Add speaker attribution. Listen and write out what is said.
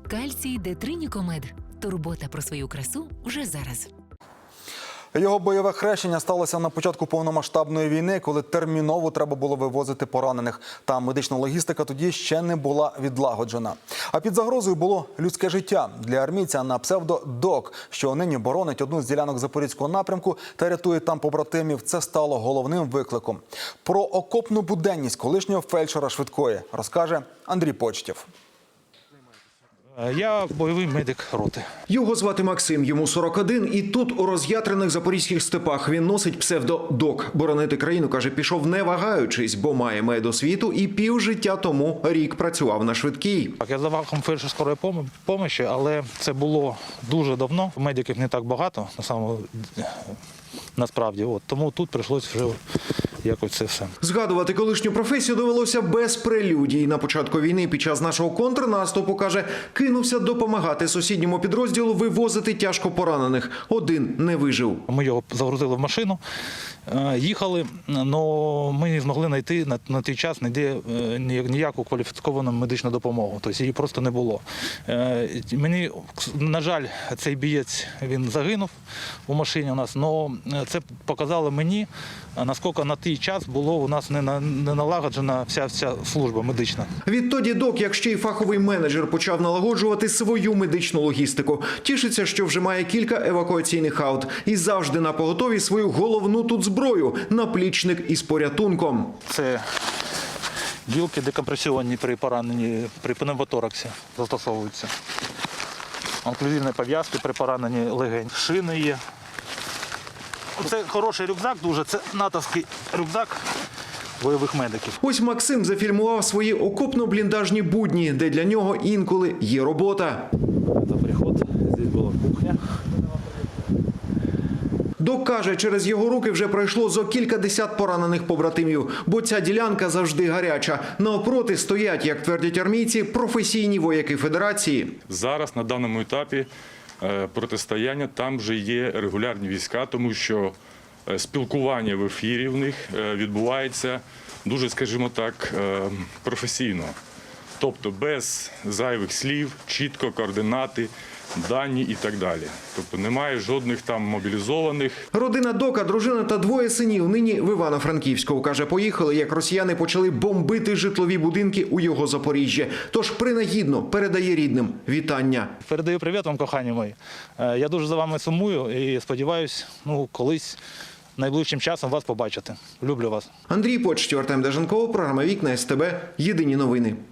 Speaker 1: Кальцій Детринікомед. Турбота про свою красу вже зараз.
Speaker 2: Його бойове хрещення сталося на початку повномасштабної війни, коли терміново треба було вивозити поранених. Та медична логістика тоді ще не була відлагоджена. А під загрозою було людське життя. Для армійця на псевдо «Док», що нині боронить одну з ділянок Запорізького напрямку та рятує там побратимів, це стало головним викликом. Про окопну буденність колишнього фельдшера швидкої розкаже Андрій Почтєв.
Speaker 3: Я бойовий медик роти.
Speaker 4: Його звати Максим, йому 41, і тут, у роз'ятрених запорізьких степах, він носить псевдо «Док». Боронити країну, каже, пішов не вагаючись, бо має медосвіту і півжиття тому рік працював на швидкій.
Speaker 3: Я за фахом фельдшер скорої помощі, але це було дуже давно. Медиків не так багато, насправді. Тому тут прийшлося вже якось це все.
Speaker 4: Згадувати колишню професію довелося без прелюдій. На початку війни під час нашого контрнаступу, каже, кинувся допомагати сусідньому підрозділу вивозити тяжко поранених. Один не вижив.
Speaker 3: Ми його загрузили в машину, їхали, але ми не змогли знайти на той час ніяку кваліфіковану медичну допомогу. Тобто її просто не було. Мені, на жаль, цей бієць, він загинув у машині у нас, але це показало мені, наскільки на той час було у нас не налагоджена вся служба медична.
Speaker 4: Відтоді «Док», як ще й фаховий менеджер, почав налагоджувати свою медичну логістику. Тішиться, що вже має кілька евакуаційних аут. І завжди на поготові свою головну тут зброю – наплічник із порятунком.
Speaker 3: Це гілки декомпресіонні при пораненні, при пневмотораксі застосовуються. Оклюзивні пов'язки при пораненні легень. Шини є. Це хороший рюкзак дуже, це натовський рюкзак бойових медиків.
Speaker 4: Ось Максим зафільмував свої окопно-бліндажні будні, де для нього інколи є робота.
Speaker 3: Це приход, тут була кухня.
Speaker 4: «Док» каже, через його руки вже пройшло зо кількадесят поранених побратимів, бо ця ділянка завжди гаряча. Навпроти стоять, як твердять армійці, професійні вояки Федерації.
Speaker 5: Зараз на даному етапі протистояння там вже є регулярні війська, тому що спілкування в ефірі в них відбувається дуже, скажімо так, професійно. Тобто без зайвих слів, чітко координати, дані і так далі. Тобто немає жодних там мобілізованих.
Speaker 4: Родина «Дока», дружина та двоє синів нині в Івано-Франківську. Каже, поїхали, як росіяни почали бомбити житлові будинки у його Запоріжжі. Тож принагідно передає рідним вітання.
Speaker 3: Передаю привіт вам, кохані мої. Я дуже за вами сумую і сподіваюся, колись найближчим часом вас побачити. Люблю вас.
Speaker 4: Андрій Почтєв, Артем Деженков, програма «Вікна СТБ». Єдині новини.